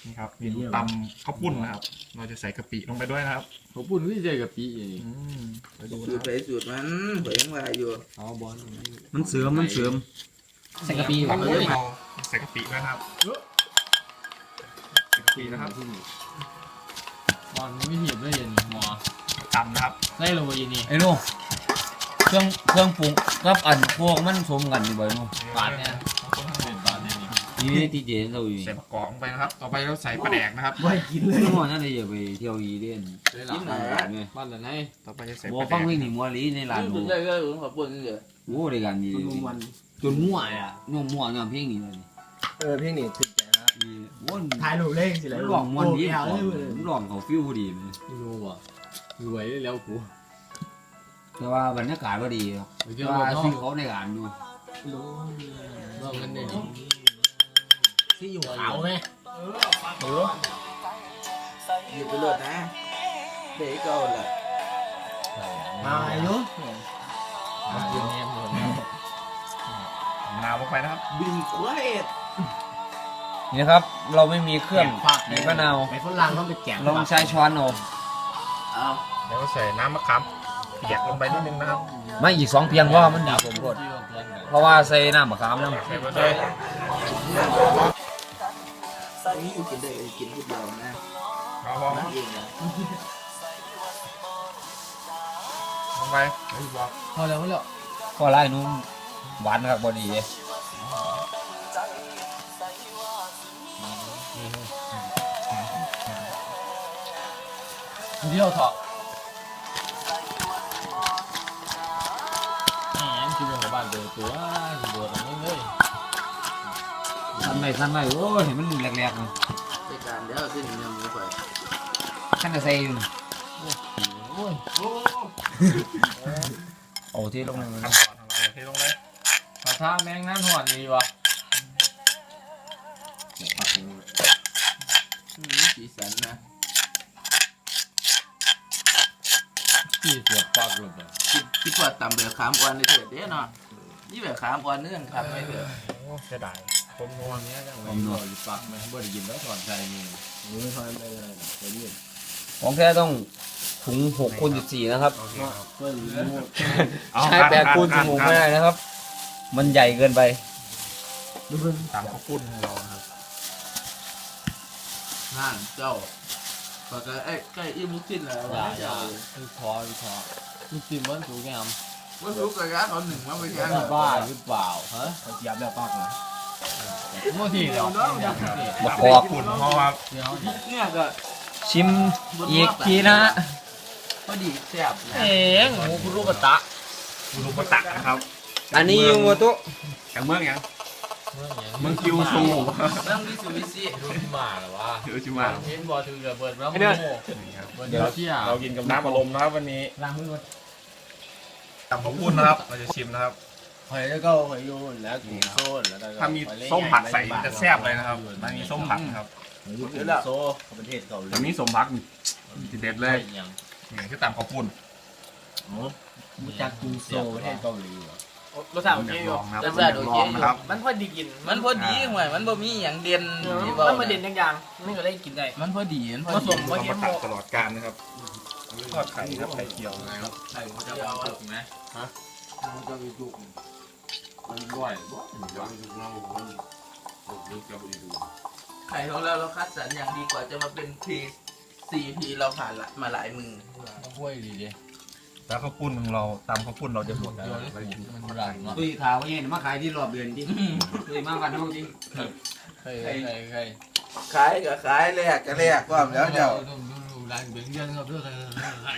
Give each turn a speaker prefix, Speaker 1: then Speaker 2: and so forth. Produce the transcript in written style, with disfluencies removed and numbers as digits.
Speaker 1: นี่ครับเมนูตำข้าวปุ้นนะครับเราจะใส่กะปิลงไปด้วยนะครับ
Speaker 2: เขาพูดวิจัยกับปีอย่างนี้
Speaker 1: ไปดู
Speaker 3: สู
Speaker 1: นะ
Speaker 3: ตรไปสูตรมันเผยมาอยู่
Speaker 2: เอาบอล
Speaker 4: มันเสริม
Speaker 5: ใส่กะปิ
Speaker 1: ครับ
Speaker 5: โอ้ย
Speaker 1: เราใส่กะปิด้วยนะครับใส่กะปินะครับ
Speaker 2: บอลไม่เหี่ยวไม่เย็นหมอ
Speaker 1: ตำนะครับ
Speaker 2: ได้โรยนี่
Speaker 4: ไอ้นู่เครื่องปรุงกับอันพวกมันสมกันอยู่บ่อยนู่
Speaker 2: บาทเนี่ยเป็นบาทเนี่ยนี่
Speaker 4: นี่ที่เจนเราอยู่
Speaker 1: ใส่มะกอกลงไปนะครับ ต่อไปเราใส่ปลาแดกนะครับ
Speaker 4: ไม่กินเลยน้องนั่นเลยอย่าไปเที่ยวอีเด่น
Speaker 2: ได้หลั
Speaker 3: กิ
Speaker 2: ง
Speaker 3: นไหน
Speaker 4: เนี่ย
Speaker 2: บ้านไหน
Speaker 1: ต่อไปจะใส่
Speaker 4: บั
Speaker 1: ป
Speaker 4: ว
Speaker 1: ลาแด
Speaker 4: ฟัง
Speaker 1: ก
Speaker 4: เพลงนี่มัวลีในร้าน
Speaker 3: กิน
Speaker 4: บัว
Speaker 3: ได้ก็ขอบคุณเลย
Speaker 4: โอ้ด้วยกันดีจนมั่วอ่ะน้องมั่วน้องเพลงนี่เลย
Speaker 5: เพลงนี้ถึงใจนะ
Speaker 4: วน
Speaker 5: ถ่ายรูปเล่นสิเลย
Speaker 4: มันร้องมันดีมันร้องเขาฟิวดีเลย
Speaker 2: ไม่รู้ว่ะรวยแล้วกู
Speaker 4: แต่ว่าบรรยากาศก็ดีครับ
Speaker 2: ไป
Speaker 4: แต่
Speaker 2: เที่ยว
Speaker 4: ว่า
Speaker 2: น้อง
Speaker 4: สิ่งเขาในงานดู
Speaker 2: น้องกันเนี่ย
Speaker 5: ที่อยู่ขาวไหม
Speaker 3: อยู่ไปเลยนะเผยเก่าแหละ
Speaker 5: มาอายุ
Speaker 2: ยืนเงียบหมด
Speaker 1: มะนาวลงไปนะครับ
Speaker 3: บินควาย
Speaker 4: นี่ครับเราไม่มีเครื่อง
Speaker 5: ผัก
Speaker 4: ในมะนาว
Speaker 5: ไปฝรั่งต้องไปแกะ
Speaker 4: ลองใช้ช้อนเอา
Speaker 3: เอา
Speaker 1: แล้วก็ใส่น้ำมะขามเปียกลงไปนิดนึงนะครับ
Speaker 4: ไม่อีก2เพียงว่ามันดีผมรสเพราะว่าใส่น้ำมะขามแล้ว
Speaker 1: ใส่ไปเลย
Speaker 3: นี่อยู่กินได้กินทุกเดียวนะ
Speaker 1: เอาพอ
Speaker 3: นั่นเองนะ
Speaker 1: ลงไปบอก
Speaker 2: พอแล้วพอแล้ว
Speaker 4: ก็ไล่นุ่มหวานครับบอดีเลย
Speaker 2: เที่ยวเถาะแหมกินไปหัวบ้านเดือดตัวเดือดอะไรเลย
Speaker 4: สั้นไปโอ้ยเห็นมันแหลกๆเลย
Speaker 3: ในการเดี๋ยวขึ้นยังมีไฟ
Speaker 4: ขั้นจะใส่อยู่
Speaker 2: โอ้ย
Speaker 4: โอ้ที่ลงเลย
Speaker 1: ขั้นตอนของเราเทลงเลย
Speaker 2: ถ้าท่าแมงน้ำหอนดีวะ
Speaker 3: สีสันนะ
Speaker 2: ที่เสียบปากเลย
Speaker 3: คิดว่าตำแบบขามอ่อนเลยเถิดเด้เนาะนี่แบบขามอ่อนเนื่องครับไม่เถอะ
Speaker 1: โอ้เสียดายผมนัว
Speaker 2: เนี้ยจังเลยบ่อยู่ปากมันบ่ได้ยินแล้วถอนใจนี่
Speaker 5: มือทำไปเลยไปเรื่อย
Speaker 4: ของแท้ต้องถุง6 คูณ 14นะครับ
Speaker 1: โอเคครับ
Speaker 5: เพื่อนรู้
Speaker 4: ใช้8 คูณ16ไม่ได้นะครับ มันใหญ่เกินไป
Speaker 1: ตามข้าวปุ้นของเรานะครับ
Speaker 3: ห่านเจ้าปากไอ้ใกล้อิ่มลูกชิ้นแล้ว
Speaker 2: อย่า
Speaker 3: เจ้า
Speaker 2: ลูกท้อลูกจิ้มมันสูงงาม
Speaker 3: ว่ารู้กับร้านเอาหนึ่งมาไปแข่ง
Speaker 2: บ้าหรือเปล่าฮะ
Speaker 5: เขาเจียบแล้วปากนะ
Speaker 2: โม่ทีเดียว
Speaker 4: บัก
Speaker 1: ตาม
Speaker 4: กอก
Speaker 1: ข้าวปุ้นเพราะว่า
Speaker 2: เดี๋ยว
Speaker 3: เนี่ยก็
Speaker 4: ชิมอีกทีนะฮะ
Speaker 3: พอดีแซ่บนะ
Speaker 2: เองหมูคุรุกตะ
Speaker 1: ลูกกระตักนะครับ
Speaker 4: อันนี้ยูโมโตะ
Speaker 1: จากเมืองยังเมืองคิวซู
Speaker 3: เรื่องวิสุวิสิ
Speaker 2: รุ่นมาหรอวะ
Speaker 1: เดี๋ยวจิมา
Speaker 2: เห็นบอถือระเบิดแล้วโม่
Speaker 1: นี่ครับ
Speaker 2: เดี๋ยวเที่ยว
Speaker 1: เรากินกับน้ำอารมณ์นะครับวันนี้
Speaker 5: ล้างมือก่อน
Speaker 1: ตำข้าวปุ้นนะครับ เราจะชิมนะครับ
Speaker 5: หอยแล้วก็หอยโยนแล้วกุ้งโซนแล้ว
Speaker 1: ถ้ามีส้มผัดใส่จะแซ่บเลยนะครับมันมีส้มผัดนะครับ
Speaker 5: กุ้งโซประเทศเกาหลี
Speaker 1: แต่มีส้มผักทีเด็ดเลย
Speaker 2: ยัง
Speaker 1: นี่คือตำข้าวปุ้น
Speaker 5: รู้จักกุ้งโซประเทศเกาหลีเหรอ
Speaker 6: รสชาติโอเคอยู่
Speaker 1: รสชาติโอเคนะครับ
Speaker 6: มันพอดีกิน
Speaker 3: มันพอดีห่วยมันบ่มีอย่างเด่นที่
Speaker 6: มันมาเด่นอย่างนี่ก็ได้กินได้
Speaker 3: มันพอดีมันพอ
Speaker 6: ผส
Speaker 3: ดี
Speaker 6: ม
Speaker 1: เรามาตัดตลอดการนะครับทอดไข่ครับไข่เจียวนะครับ
Speaker 2: ใช่เขาจะเอาจุกไหมฮะมันจะมีจุกมันบ่อยบ่
Speaker 3: ไข่ของเราคัดสรรอย่างดีกว่าจะมาเป็นพี4 พีเราผ่านมาหลายมือ
Speaker 2: ต้องห้วยดีดิ
Speaker 1: แล้วข้าวปุ้นของเราตำข้าวปุ้นเราจะหมดแล้ว
Speaker 2: มันรันเนาะ
Speaker 4: ตุยขาวเนี่ยมาขายที่รอบเดือนจริงตุยมาวันนู้นจริง
Speaker 2: ใคร
Speaker 3: ขายก็ขายแลกก็แลกความแล้วเจ้า
Speaker 2: ดูร้านเบียงเย็นครับเพื่อน